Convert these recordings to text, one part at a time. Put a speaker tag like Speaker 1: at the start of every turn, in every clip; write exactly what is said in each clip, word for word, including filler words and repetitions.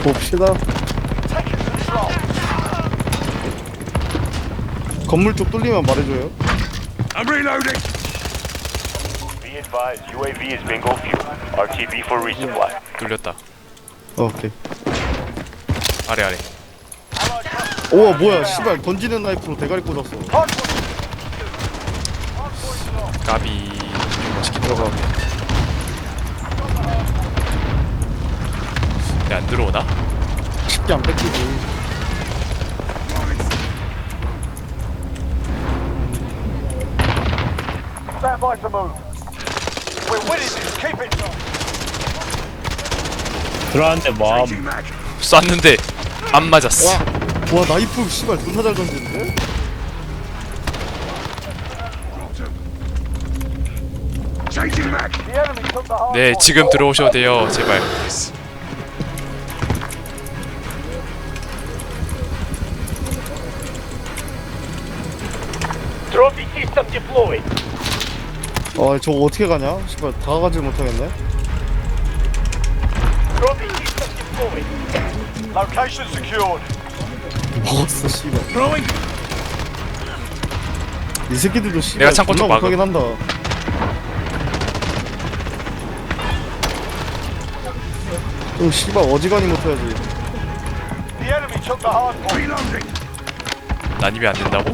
Speaker 1: 봅시다. 건물 쪽 뚫리면 말해줘요.
Speaker 2: I'm reloading.
Speaker 3: Be advised, U A V is bingo fuel. R T B for resupply.
Speaker 4: 뚫렸다.
Speaker 1: 어, 오케이.
Speaker 4: 아래 아래.
Speaker 1: 우와 뭐야 씨발 던지는 나이프로 대가리 꽂았어.
Speaker 4: 까비. 멋있게
Speaker 1: 들어가.
Speaker 4: 근데 안 들어오나?
Speaker 1: 쉽게 안 뺏기지.
Speaker 3: Stand by to move. We're winning this. Keep it.
Speaker 5: 들어왔는데 뭐
Speaker 2: Changing mag.
Speaker 4: 쐈는데 안 맞았어.
Speaker 1: 와, 와 나이프 씨발 존나 잘 던지는데?
Speaker 2: Changing mag.
Speaker 3: The enemy took the hard
Speaker 4: 네,
Speaker 3: point.
Speaker 4: 지금 들어오셔도 돼요. 제발.
Speaker 3: Trophy system deployed.
Speaker 1: 아 저거 어떻게 가냐? 씨발 다가가지 못하겠네.
Speaker 3: Trophy system deployed. Location secured.
Speaker 1: 먹었어 씨발.
Speaker 2: Throwing.
Speaker 1: 이 새끼들도 씨발
Speaker 4: 내가 창고 쪽
Speaker 1: 존나
Speaker 4: 막음.
Speaker 1: 못하긴 한다. 좀 씨발 어지간히 못해야지.
Speaker 3: The enemy took the hard point.
Speaker 2: Reloading.
Speaker 4: 난입이 안 된다고?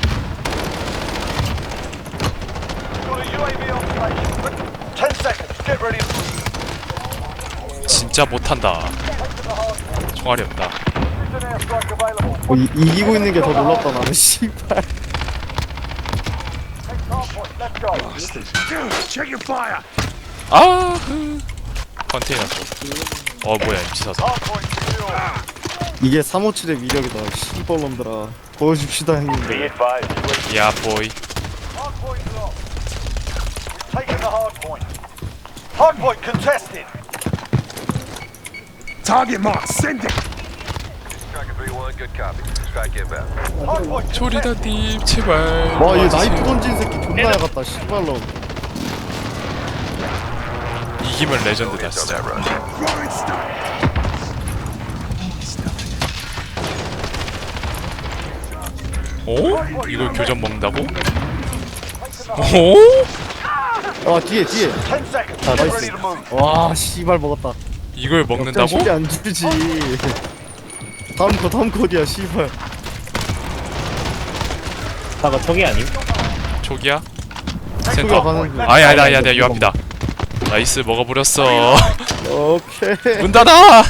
Speaker 3: Got a U A V on station. Ten seconds. Get ready to move.
Speaker 4: 진짜 못한다. 총알이 없다.
Speaker 3: Precision airstrike available.
Speaker 1: 어, 이, 이기고 있는 게 더 놀랍다 나는 씨발.
Speaker 3: Take hard point. Let's go.
Speaker 2: Check your fire.
Speaker 4: 아, 흐. 컨테이너 쪽. 어, 뭐야, 엠치 사서.
Speaker 3: Hard point secured.
Speaker 1: 이게 삼오칠의 위력이다. 씨발놈들아. 보여줍시다
Speaker 3: Be
Speaker 1: 형님들.
Speaker 3: advised, U A V
Speaker 4: 야, 보이.
Speaker 3: hard point locked. We've taken the hard point. Hard point contested.
Speaker 2: Target mark. Send it.
Speaker 3: Striker three one, good copy. Strike inbound. Hard point contested.
Speaker 4: 조리다님, 제발.
Speaker 1: 와, 얘
Speaker 4: 와주세요.
Speaker 1: 나이프 던진 새끼 존나 야같다. 씨발놈.
Speaker 4: 이기면 레전드다, 진짜.
Speaker 2: Throwing stuff.
Speaker 4: 오? 이걸 교전 먹는다고? 오?
Speaker 1: 아 뒤에 뒤에.
Speaker 3: Ten seconds.
Speaker 1: 아
Speaker 3: Get ready
Speaker 1: 나이스.
Speaker 3: to move.
Speaker 1: 와 씨발 먹었다.
Speaker 4: 이걸
Speaker 1: 역장
Speaker 4: 먹는다고?
Speaker 1: 쉽게 안 주지. 다음 거 다음 거디야 씨발.
Speaker 5: 아까 저기 아님?
Speaker 4: 초기야?
Speaker 1: 초기화
Speaker 4: 센터?
Speaker 1: 가는 중.
Speaker 4: 아니 아니 아니 아니 요 앞이다. 나이스 먹어버렸어.
Speaker 1: 오케이.
Speaker 4: 문 닫아.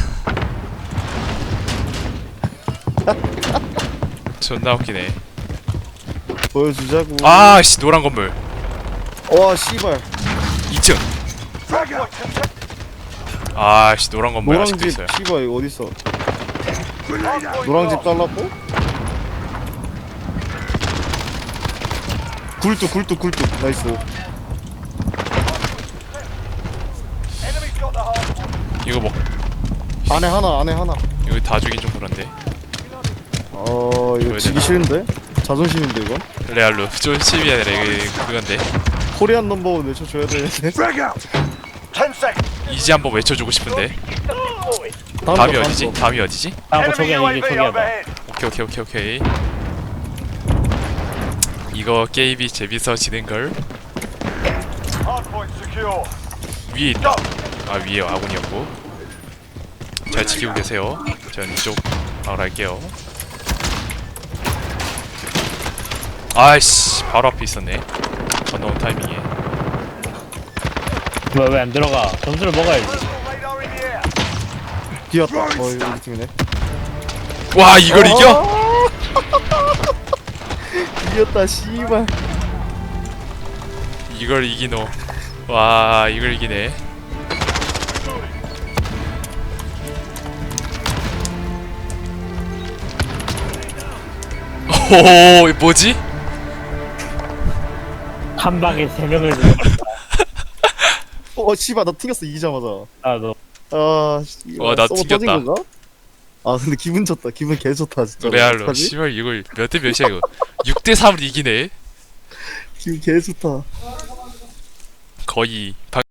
Speaker 4: 존나 웃기네.
Speaker 1: 보여주자고.
Speaker 4: 아씨 노란 건물
Speaker 1: 와 씨발.
Speaker 4: 이 층.
Speaker 3: Hard point contested.
Speaker 4: 아씨 노란 건물
Speaker 1: 노랑
Speaker 4: 아직도
Speaker 1: 집
Speaker 4: 있어요.
Speaker 1: 씨발 이거 어디 있어?
Speaker 2: Grenade out.
Speaker 1: 노랑 집 잘랐고. 굴뚝 굴뚝 굴뚝 나이스.
Speaker 3: Enemy's got the hard point.
Speaker 4: 이거 먹
Speaker 1: 안에 하나 안에 하나.
Speaker 4: 이거 다 주긴 좀 그런데.
Speaker 1: 어 이거
Speaker 4: 보여야
Speaker 1: 지기
Speaker 4: 되나?
Speaker 1: 싫은데? 자존심인데 이건?
Speaker 4: 레알로 좀 시비야 이거 그건데.
Speaker 1: 코리안 넘버원 외쳐줘야 되는데.
Speaker 2: Frag out.
Speaker 3: Ten seconds.
Speaker 4: 이제 한번 외쳐주고 싶은데.
Speaker 3: Deployed.
Speaker 1: 다음
Speaker 4: 다음이
Speaker 1: 거,
Speaker 4: 어디지?
Speaker 1: 다음 거.
Speaker 4: 다음이 어디지?
Speaker 5: 아까 저기
Speaker 3: Enemy
Speaker 5: 아니
Speaker 3: U A
Speaker 5: 이게
Speaker 3: V
Speaker 5: 저기야다.
Speaker 3: overhead.
Speaker 4: 오케이 오케이 오케이 오케이. 이거 게임이 재밌어지는 걸.
Speaker 3: Hard point secure.
Speaker 4: 위에 있다.
Speaker 3: Go.
Speaker 4: 아 위에 아군이었고. 잘 지키고 계세요. 전 이쪽 방을 할게요. 아이씨 바로 앞에 있었네. 건너온 타이밍에.
Speaker 5: 왜 왜 안 들어가? 점수를 먹어야지.
Speaker 3: Radar in the air.
Speaker 1: 뛰었다. 어 이거 우리 팀이네.
Speaker 4: 와 이걸 이겨?
Speaker 1: 어? 이겼다 씨발.
Speaker 4: 이걸 이기노. 와 이걸 이기네. 오 뭐지?
Speaker 5: 한 방에 세 명을 죽여버렸다.
Speaker 1: 어 씨발 나 튕겼어 이기자마자.
Speaker 5: 나도.
Speaker 1: 아 씨발.
Speaker 4: 와, 나
Speaker 1: 서버
Speaker 4: 튕겼다.
Speaker 1: 터진 건가? 아 근데 기분 좋다. 기분 개 좋다 진짜.
Speaker 4: 레알로
Speaker 1: 어떡하지?
Speaker 4: 씨발 이걸 몇 대 몇이야 이거. 육 대 삼으로 이기네.
Speaker 1: 기분 개 좋다.
Speaker 4: 거의